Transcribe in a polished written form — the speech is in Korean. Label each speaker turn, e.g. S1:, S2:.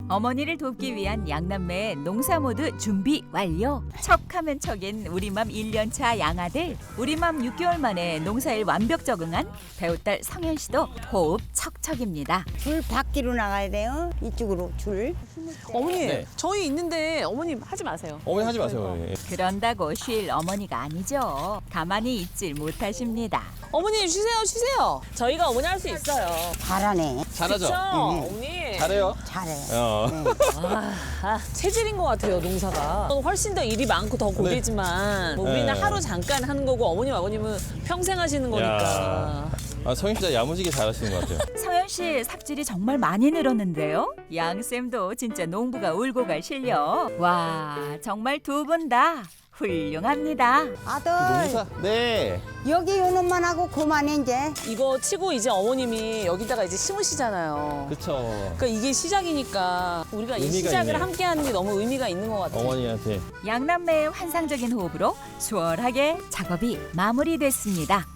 S1: 어머니를 돕기 위한 양남매의 농사 모두 준비 완료. 척하면 척인 우리맘 1년차 양아들. 우리맘 6개월 만에 농사일 완벽 적응한 배우딸 성현 씨도 호흡 척척입니다.
S2: 줄 밖으로 나가야 돼요. 이쪽으로 줄.
S3: 어머니,
S4: 네.
S3: 저희 있는데 어머님 하지 마세요.
S4: 어머니 하지 마세요. 예.
S1: 그런다고 쉴 어머니가 아니죠. 가만히 있질 못하십니다.
S3: 어머니 쉬세요. 저희가 어머니 할 수 있어요.
S2: 잘하네.
S4: 잘하죠?
S3: 그쵸? 어머니.
S4: 잘해요.
S2: 잘해.
S3: 체질인 것 같아요, 농사가. 훨씬 더 일이 많고 더 고되지만 뭐 우리는
S4: 네.
S3: 하루 잠깐 하는 거고 어머님, 아버님은 평생 하시는 거니까.
S4: 성현 씨 진짜 야무지게 잘하시는 것 같아요.
S1: 성현 씨 삽질이 정말 많이 늘었는데요. 양쌤도 진짜 농부가 울고 갈 실력. 와, 정말 두 분 다 훌륭합니다.
S2: 아들,
S4: 농사? 네.
S2: 여기 요놈만 하고 그만해 이제.
S3: 이거 치고 이제 어머님이 여기다가 이제 심으시잖아요.
S4: 그쵸.
S3: 그러니까 이게 시작이니까 우리가 이
S4: 의미가
S3: 시작을
S4: 있네요.
S3: 함께 하는 게 너무 의미가 있는 것 같아요.
S4: 어머니한테.
S1: 양남매의 환상적인 호흡으로 수월하게 작업이 마무리됐습니다.